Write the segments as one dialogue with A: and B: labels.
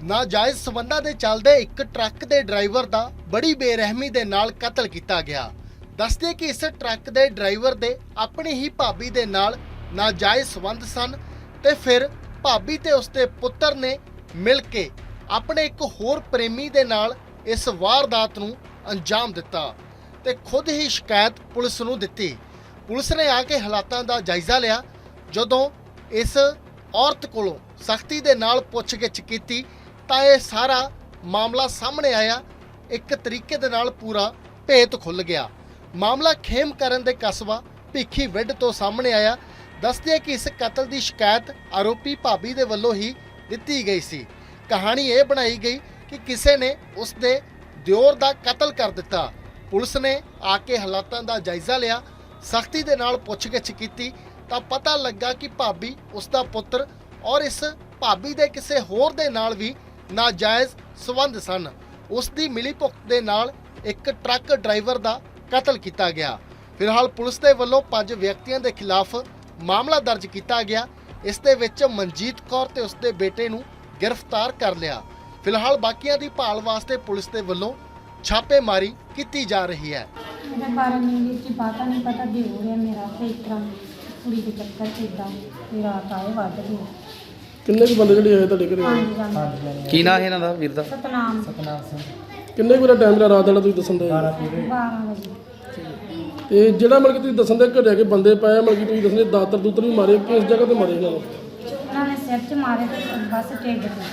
A: ਨਾਜਾਇਜ਼ ਸਬੰਧਾਂ ਦੇ ਚੱਲਦੇ ਇੱਕ ਟਰੱਕ ਦੇ ਡਰਾਈਵਰ ਦਾ ਬੜੀ ਬੇਰਹਿਮੀ ਦੇ ਨਾਲ ਕਤਲ ਕੀਤਾ ਗਿਆ। ਦੱਸਦੇ ਕਿ ਇਸ ਟਰੱਕ ਦੇ ਡਰਾਈਵਰ ਦੇ ਆਪਣੀ ਹੀ ਭਾਬੀ ਦੇ ਨਾਲ ਨਾਜਾਇਜ਼ ਸਬੰਧ ਸਨ ਤੇ ਫਿਰ ਭਾਬੀ ਤੇ ਉਸਦੇ ਪੁੱਤਰ ਨੇ ਮਿਲ ਕੇ ਆਪਣੇ ਇੱਕ ਹੋਰ ਪ੍ਰੇਮੀ ਦੇ ਨਾਲ ਇਸ ਵਾਰਦਾਤ ਨੂੰ ਅੰਜਾਮ ਦਿੱਤਾ ਤੇ ਖੁਦ ਹੀ ਸ਼ਿਕਾਇਤ ਪੁਲਿਸ ਨੂੰ ਦਿੱਤੀ। ਪੁਲਿਸ ਨੇ ਆ ਕੇ ਹਾਲਾਤਾਂ ਦਾ ਜਾਇਜ਼ਾ ਲਿਆ। ਜਦੋਂ ਇਸ ਔਰਤ ਕੋਲੋਂ ਸਖਤੀ ਦੇ ਨਾਲ ਪੁੱਛਗਿੱਛ ਕੀਤੀ ਤਾਂ ਇਹ ਸਾਰਾ ਮਾਮਲਾ ਸਾਹਮਣੇ ਆਇਆ। ਇੱਕ ਤਰੀਕੇ ਦੇ ਨਾਲ ਪੂਰਾ ਭੇਤ ਖੁੱਲ੍ਹ ਗਿਆ। ਮਾਮਲਾ ਖੇਮ ਕਰਨ ਦੇ ਕਸਬਾ ਭਿੱਖੀਵਿੰਡ ਤੋਂ ਸਾਹਮਣੇ ਆਇਆ। ਦੱਸਦੇ ਕਿ ਇਸ ਕਤਲ ਦੀ ਸ਼ਿਕਾਇਤ ਆਰੋਪੀ ਭਾਬੀ ਦੇ ਵੱਲੋਂ ਹੀ ਦਿੱਤੀ ਗਈ ਸੀ। ਕਹਾਣੀ ਇਹ ਬਣਾਈ ਗਈ ਕਿ ਕਿਸੇ ਨੇ ਉਸ ਦੇ ਦਿਓਰ ਦਾ ਕਤਲ ਕਰ ਦਿੱਤਾ। ਪੁਲਿਸ ਨੇ ਆ ਕੇ ਹਾਲਾਤਾਂ ਦਾ ਜਾਇਜ਼ਾ ਲਿਆ, ਸਖਤੀ ਦੇ ਨਾਲ ਪੁੱਛਗਿੱਛ ਕੀਤੀ ਤਾਂ ਪਤਾ ਲੱਗਾ ਕਿ ਭਾਬੀ ਉਸ ਦਾ ਪੁੱਤਰ ਔਰ ਇਸ ਭਾਬੀ ਦੇ ਕਿਸੇ ਹੋਰ ਦੇ ਨਾਲ ਵੀ ਨਾਜਾਇਜ਼ ਸਬੰਧ ਸਨ। ਉਸ ਦੀ ਮਿਲੀਭੁਗਤ ਦੇ ਨਾਲ ਇੱਕ ਟਰੱਕ ਡਰਾਈਵਰ ਦਾ ਕਤਲ ਕੀਤਾ ਗਿਆ। ਫਿਲਹਾਲ ਪੁਲਿਸ ਦੇ ਵੱਲੋਂ 5 ਵਿਅਕਤੀਆਂ ਦੇ ਖਿਲਾਫ ਮਾਮਲਾ ਦਰਜ ਕੀਤਾ ਗਿਆ। ਇਸ ਦੇ ਵਿੱਚ ਮਨਜੀਤ ਕੌਰ ਤੇ ਉਸ ਦੇ ਬੇਟੇ ਨੂੰ ਗ੍ਰਿਫਤਾਰ ਕਰ ਲਿਆ। ਫਿਲਹਾਲ ਬਾਕੀਆਂ ਦੀ ਭਾਲ ਵਾਸਤੇ ਪੁਲਿਸ ਦੇ ਵੱਲੋਂ ਛਾਪੇਮਾਰੀ ਕੀਤੀ ਜਾ ਰਹੀ ਹੈ।
B: मेरे बारे में ये चीज बात नहीं पता भी हो रहा मेरा तो इस तरह कुड़ी के चक्कर से इदा रात आए वध गए।
C: ਕਿੰਨੇ ਕੁ ਬੰਦੇ ਜਿਹੜੇ ਆਏ ਤੁਹਾਡੇ ਘਰੇ?
D: ਕੀ ਨਾਂ ਹੈ ਇਹਨਾਂ ਦਾ ਵੀਰ ਦਾ?
B: सतनाम
C: ਕਿੰਨੇ ਕੁ ਟਾਈਮ ਦਾ ਰਾਤ ਵਾਲਾ ਤੁਸੀਂ ਦੱਸਣ ਦੇ?
B: 12 बजे
C: ਤੇ ਜਿਹੜਾ ਮਤਲਬ ਕਿ ਤੁਸੀਂ ਦੱਸਣ ਦੇ ਘਰੇ ਆ ਕੇ ਬੰਦੇ ਪਾਏ ਮਤਲਬ ਕਿ ਤੁਸੀਂ ਦੱਸਣ ਦੇ ਦਾਤਰ ਦੂਤਰ ਵੀ ਮਾਰੇ, ਕਿਸ ਜਗ੍ਹਾ ਤੇ ਮਾਰੇ ਇਹਨਾਂ ਨੂੰ?
B: उन्होंने सिर च मारे तो बस टेढ़ पे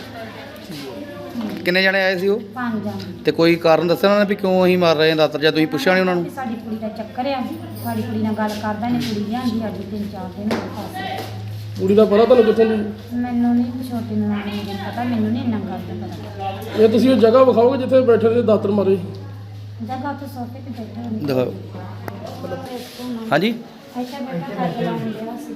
D: ਕਿੰਨੇ ਜਣੇ ਆਏ ਸੀ ਉਹ?
B: 5 जाने।
D: ਤੇ ਕੋਈ ਕਾਰਨ ਦੱਸਿਆ ਉਹਨਾਂ ਨੇ ਵੀ ਕਿਉਂ ਅਸੀਂ ਮਾਰ ਰਹੇ ਹਾਂ ਦਾਤਰ, ਜਾਂ ਤੁਸੀਂ ਪੁੱਛਿਆ ਨਹੀਂ ਉਹਨਾਂ ਨੂੰ?
B: ਸਾਡੀ ਕੁੜੀ ਦਾ ਚੱਕਰ ਆ, ਸਾਡੀ ਕੁੜੀ ਨਾਲ ਗੱਲ ਕਰਦਾ ਨੇ, ਕੁੜੀ ਲਿਆਂਦੀ ਅੱਜ 3-4 ਦਿਨ ਹੋ ਗਏ।
C: ਕੁੜੀ ਦਾ ਪਤਾ ਤੁਹਾਨੂੰ ਕਿੱਥੋਂ ਦੀ?
B: ਮੈਨੂੰ ਨਹੀਂ ਛੋਟੀ ਨੂੰ ਨਹੀਂ ਪਤਾ, ਮੈਨੂੰ ਨਹੀਂ ਇੰਨਾ ਗੱਲ ਦਾ ਪਤਾ।
C: ਇਹ ਤੁਸੀਂ ਉਹ ਜਗ੍ਹਾ ਵਿਖਾਓਗੇ ਜਿੱਥੇ ਬੈਠੇ ਨੇ ਦਾਤਰ ਮਾਰੇ?
B: ਜਗ੍ਹਾ ਤੇ ਸੋਫੇ ਤੇ ਬੈਠੇ ਹੋਏ
D: ਦਿਖਾਓ। ਹਾਂਜੀ,
B: ਇੱਥੇ ਬੈਠਾ ਕਰ ਲਾਉਂਦੇ ਸੀ।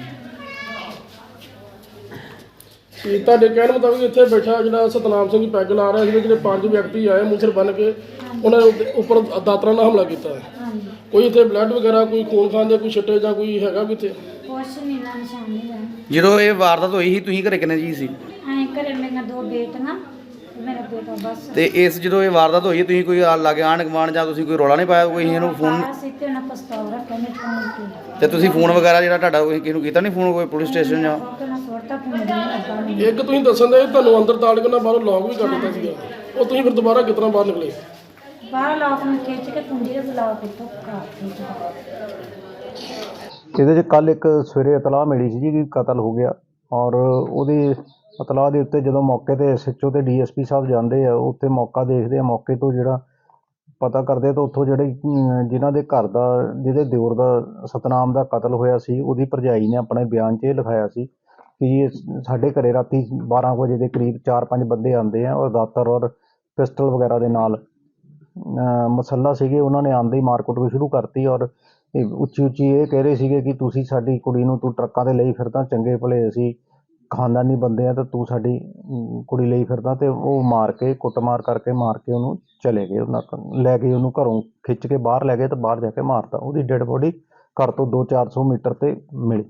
C: ਤੇ ਤੁਹਾਡੇ ਕਹਿਣ ਮੁਤਾਬਿਕ ਇੱਥੇ ਬੈਠਾ ਜਿਹੜਾ ਸਤਨਾਮ ਸਿੰਘ ਪੈਗ ਲਾ ਰਿਹਾ ਸੀ, ਜਿਹੜੇ 5 ਵਿਅਕਤੀ ਆਏ ਮੂੰਹ ਬੰਨ੍ਹ ਕੇ ਉਹਨਾਂ ਦੇ ਉੱਪਰ ਦਾਤਰਾਂ ਨਾਲ ਹਮਲਾ ਕੀਤਾ।
B: ਹਾਂਜੀ
C: ਕੋਈ ਇੱਥੇ ਬਲੱਡ ਵਗੈਰਾ, ਕੋਈ ਖੂਨ ਖਾਨ ਦੇ ਕੋਈ ਛਿੱਟੇ ਜਾਂ ਕੋਈ ਹੈਗਾ ਕਿੱਥੇ?
B: ਕੁਛ ਨਹੀਂ ਨਾ ਨਿਸ਼ਾਨ ਨਹੀਂ ਰਹਿ।
D: ਜਦੋਂ ਇਹ ਵਾਰਦਾਤ ਹੋਈ ਸੀ ਤੁਸੀਂ ਘਰੇ ਕਿੰਨੇ ਜੀ ਸੀ?
B: ਐਂ ਘਰੇ ਮੇਰੀਆਂ 2 ਬੇਟੀਆਂ ਤੇ ਮੇਰਾ ਬੇਟਾ ਬਸ।
D: ਤੇ ਇਸ ਜਦੋਂ ਇਹ ਵਾਰਦਾਤ ਹੋਈ ਤੁਸੀਂ ਕੋਈ ਲਾਗੇ ਆਂਢ ਗੁਆਂਢ ਜਾਂ ਤੁਸੀਂ ਕੋਈ ਰੌਲਾ ਨਹੀਂ ਪਾਇਆ ਕੋਈ ਇਹਨੂੰ ਫੋਨ?
B: ਸਿੱਤੇ ਉਹਨਾਂ ਪਸਤੌਲ ਰੱਖਿਆ ਨੇ ਫੋਨ ਤੇ।
D: ਤੇ ਤੁਸੀਂ ਫੋਨ ਵਗੈਰਾ ਜਿਹੜਾ ਤੁਹਾਡਾ ਕੋਈ ਕਿਸੇ ਨੂੰ ਕੀਤਾ ਨਹੀਂ ਫੋਨ, ਕੋਈ ਪੁਲਿਸ ਸਟੇਸ਼ਨ ਜਾਂ?
B: ਉਹਨਾਂ ਸੁਰਤਾ ਫੋਨ ਨਹੀਂ ਲੱਗਾ ਮੈਨੂੰ।
C: ਇੱਕ ਤੁਸੀਂ ਦੱਸਣ ਦੇ ਤੁਹਾਨੂੰ ਅੰਦਰ ਤਾੜ ਕੇ ਨਾ ਬਾਹਰੋਂ ਲੌਕ ਵੀ ਕਰ ਦਿੱਤਾ ਸੀਗਾ, ਉਹ ਤੁਸੀਂ ਫਿਰ ਦੁਬਾਰਾ ਕਿਸ ਤਰ੍ਹਾਂ ਬਾਹਰ ਨਿਕਲੇ?
B: ਬਾਹਰ ਲੋਕ ਨੂੰ ਖਿੱਚ ਕੇ ਕੁੰਡੀ ਦੇ ਬੁਲਾਓ ਕਿੱਥੋਂ ਕਾਫੀ।
E: ਇਹਦੇ 'ਚ ਕੱਲ ਇੱਕ ਸਵੇਰੇ ਇਤਲਾਹ ਮਿਲੀ ਸੀ ਜੀ ਕਿ ਕਤਲ ਹੋ ਗਿਆ, ਔਰ ਉਹਦੀ ਇਤਲਾਹ ਦੇ ਉੱਤੇ ਜਦੋਂ ਮੌਕੇ 'ਤੇ SHO ਤੇ DSP ਸਾਹਿਬ ਜਾਂਦੇ ਆ, ਉੱਥੇ ਮੌਕਾ ਦੇਖਦੇ ਆ, ਮੌਕੇ ਤੋਂ ਜਿਹੜਾ ਪਤਾ ਕਰਦੇ ਤਾਂ ਉੱਥੋਂ ਜਿਹੜੇ ਜਿਨ੍ਹਾਂ ਦੇ ਘਰ ਦਾ, ਜਿਹਦੇ ਦਿਓਰ ਦਾ ਸਤਨਾਮ ਦਾ ਕਤਲ ਹੋਇਆ ਸੀ, ਉਹਦੀ ਭਰਜਾਈ ਨੇ ਆਪਣੇ ਬਿਆਨ 'ਚ ਇਹ ਲਿਖਾਇਆ ਸੀ ਕਿ ਸਾਡੇ ਘਰੇ ਰਾਤੀ 12 ਵਜੇ ਦੇ ਕਰੀਬ 4-5 ਬੰਦੇ ਆਉਂਦੇ ਆ ਔਰ ਦਾਤਰ ਔਰ ਪਿਸਟਲ ਵਗੈਰਾ ਦੇ ਨਾਲ ਮਸੱਲਾ ਸੀਗੇ। ਉਹਨਾਂ ਨੇ ਆਉਂਦੇ ਹੀ ਮਾਰਕੁੱਟ ਵੀ ਸ਼ੁਰੂ ਕਰਤੀ ਔਰ ਉੱਚੀ ਉੱਚੀ ਇਹ ਕਹਿ ਰਹੇ ਸੀਗੇ ਕਿ ਤੁਸੀਂ ਸਾਡੀ ਕੁੜੀ ਨੂੰ ਤੂੰ ਟਰੱਕਾਂ 'ਤੇ ਲਈ ਫਿਰਦਾ, ਚੰਗੇ ਭਲੇ ਅਸੀਂ ਖਾਨਦਾਨੀ ਬੰਦੇ ਆ, ਤਾਂ ਤੂੰ ਸਾਡੀ ਕੁੜੀ ਲਈ ਫਿਰਦਾ। ਤੇ ਉਹ ਮਾਰ ਕੇ ਕੁੱਟਮਾਰ ਕਰਕੇ ਮਾਰ ਕੇ ਉਹਨੂੰ ਚਲੇ ਗਏ। ਉਹਨਾਂ ਲੈ ਕੇ ਉਹਨੂੰ ਘਰੋਂ ਖਿੱਚ ਕੇ ਬਾਹਰ ਲੈ ਗਏ ਤੇ ਬਾਹਰ ਜਾ ਕੇ ਮਾਰਤਾ। ਉਹਦੀ ਡੈਡ ਬੋਡੀ ਘਰ ਤੋਂ 200-400 ਮੀਟਰ 'ਤੇ ਮਿਲੀ।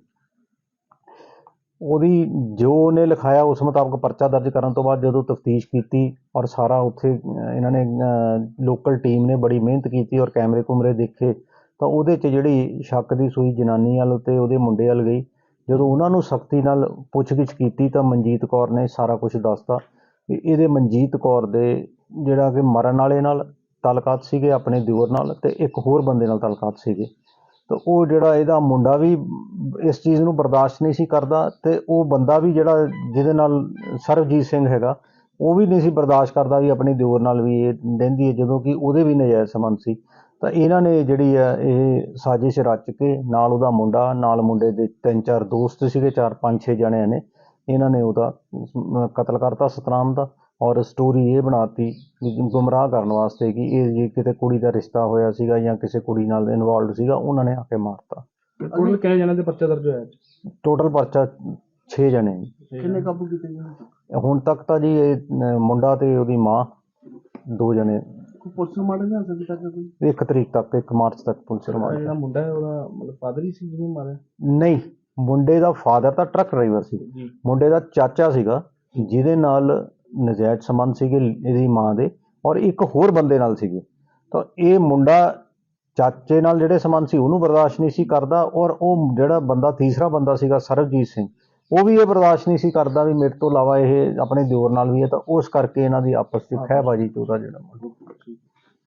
E: ਉਹਦੀ ਜੋ ਉਹਨੇ ਲਿਖਾਇਆ ਉਸ ਮੁਤਾਬਕ ਪਰਚਾ ਦਰਜ ਕਰਨ ਤੋਂ ਬਾਅਦ ਜਦੋਂ ਤਫਤੀਸ਼ ਕੀਤੀ ਔਰ ਸਾਰਾ ਉੱਥੇ ਇਹਨਾਂ ਨੇ ਲੋਕਲ ਟੀਮ ਨੇ ਬੜੀ ਮਿਹਨਤ ਕੀਤੀ ਔਰ ਕੈਮਰੇ ਕੁਮਰੇ ਦੇਖੇ, ਤਾਂ ਉਹਦੇ 'ਚ ਜਿਹੜੀ ਸ਼ੱਕ ਦੀ ਸੂਈ ਜਨਾਨੀ ਵੱਲ ਅਤੇ ਉਹਦੇ ਮੁੰਡੇ ਵੱਲ ਗਈ। ਜਦੋਂ ਉਹਨਾਂ ਨੂੰ ਸਖਤੀ ਨਾਲ ਪੁੱਛਗਿੱਛ ਕੀਤੀ ਤਾਂ ਮਨਜੀਤ ਕੌਰ ਨੇ ਸਾਰਾ ਕੁਝ ਦੱਸਤਾ ਵੀ ਇਹਦੇ ਮਨਜੀਤ ਕੌਰ ਦੇ ਜਿਹੜਾ ਕਿ ਮਰਨ ਵਾਲੇ ਨਾਲ ਤਾਲੁਕਾਤ ਸੀਗੇ, ਆਪਣੇ ਦਿਓਰ ਨਾਲ, ਅਤੇ ਇੱਕ ਹੋਰ ਬੰਦੇ ਨਾਲ ਤਾਲੁਕਾਤ ਸੀਗੇ। ਤਾਂ ਉਹ ਜਿਹੜਾ ਇਹਦਾ ਮੁੰਡਾ ਵੀ ਇਸ ਚੀਜ਼ ਨੂੰ ਬਰਦਾਸ਼ਤ ਨਹੀਂ ਸੀ ਕਰਦਾ, ਅਤੇ ਉਹ ਬੰਦਾ ਵੀ ਜਿਹੜਾ ਜਿਹਦੇ ਨਾਲ ਸਰਬਜੀਤ ਸਿੰਘ ਹੈਗਾ, ਉਹ ਵੀ ਨਹੀਂ ਸੀ ਬਰਦਾਸ਼ਤ ਕਰਦਾ ਵੀ ਆਪਣੀ ਦਿਓਰ ਨਾਲ ਵੀ ਇਹ ਰਹਿੰਦੀ ਹੈ, ਜਦੋਂ ਕਿ ਉਹਦੇ ਵੀ ਨਜਾਇਜ਼ ਸੰਬੰਧ ਸੀ। ਤਾਂ ਇਹਨਾਂ ਨੇ ਜਿਹੜੀ ਹੈ ਇਹ ਸਾਜ਼ਿਸ਼ ਰਚ ਕੇ ਨਾਲ ਉਹਦਾ ਮੁੰਡਾ, ਨਾਲ ਮੁੰਡੇ ਦੇ 3-4 ਦੋਸਤ ਸੀਗੇ, 4-5-6 ਜਣਿਆਂ ਨੇ ਇਹਨਾਂ ਨੇ ਉਹਦਾ ਕਤਲ ਕਰਤਾ ਸਤਨਾਮ ਦਾ। ਔਰ ਸਟੋਰੀ ਇਹ ਬਣਾਤੀ ਗੁੰਮਰਾਹ ਕਰਨ ਵਾਸਤੇ ਕਿ ਇਹ ਜੇ ਕਿਤੇ ਕੁੜੀ ਦਾ ਰਿਸ਼ਤਾ ਹੋਇਆ ਸੀਗਾ ਜਾਂ ਕਿਸੇ ਕੁੜੀ ਨਾਲ ਇਨਵੋਲਵਡ ਸੀਗਾ, ਉਹਨਾਂ ਨੇ ਆ ਕੇ ਮਾਰਤਾ।
C: ਟੋਟਲ ਕਿੰਨੇ ਜਣਿਆਂ ਦੇ ਪਰਚਾ ਦਰਜ ਹੋਇਆ?
E: ਟੋਟਲ ਪਰਚਾ 6 ਜਣੇ।
C: ਕਿੰਨੇ ਕਾਬੂ ਕੀਤੇ ਗਏ
E: ਹੁਣ ਤੱਕ ਤਾਂ ਜੀ ਇਹ ਮੁੰਡਾ ਤੇ ਉਹਦੀ ਮਾਂ 2 ਜਣੇ
C: ਪੁਲਿਸ ਰਿਮਾਂਡ ਨਹੀਂ ਆ ਸਕਦੀ ਤੱਕ ਕੋਈ?
E: 1 ਤਰੀਕ ਤੱਕ, 1 ਮਾਰਚ ਤੱਕ ਪੁਲਿਸ ਰਿਮਾਂਡ।
C: ਜਿਹੜਾ ਮੁੰਡਾ ਹੈ ਉਹਦਾ ਮਤਲਬ ਫਾਦਰ ਹੀ ਸੀ ਜਿਹਨੇ ਮਾਰਿਆ?
E: ਨਹੀਂ, ਮੁੰਡੇ ਦਾ ਫਾਦਰ ਤਾਂ ਟਰੱਕ ਡਰਾਈਵਰ ਸੀ, ਮੁੰਡੇ ਦਾ ਚਾਚਾ ਸੀਗਾ ਜਿਹਦੇ ਨਾਲ ਨਜਾਇਜ਼ ਸੰਬੰਧ ਸੀਗੇ ਇਹਦੀ ਮਾਂ ਦੇ, ਔਰ ਇੱਕ ਹੋਰ ਬੰਦੇ ਨਾਲ ਸੀਗੇ। ਤਾਂ ਇਹ ਮੁੰਡਾ ਚਾਚੇ ਨਾਲ ਜਿਹੜੇ ਸੰਬੰਧ ਸੀ ਉਹਨੂੰ ਬਰਦਾਸ਼ਤ ਨਹੀਂ ਸੀ ਕਰਦਾ, ਔਰ ਉਹ ਜਿਹੜਾ ਬੰਦਾ ਤੀਸਰਾ ਬੰਦਾ ਸੀਗਾ ਸਰਬਜੀਤ ਸਿੰਘ, ਉਹ ਵੀ ਇਹ ਬਰਦਾਸ਼ਤ ਨਹੀਂ ਸੀ ਕਰਦਾ ਵੀ ਮੇਰੇ ਤੋਂ ਇਲਾਵਾ ਇਹ ਆਪਣੇ ਦਿਓਰ ਨਾਲ ਵੀ ਹੈ। ਤਾਂ ਉਸ ਕਰਕੇ ਇਹਨਾਂ ਦੀ ਆਪਸ 'ਚ ਖਹਿਬਾਜ਼ੀ 'ਚ ਉਹਦਾ ਜਿਹੜਾ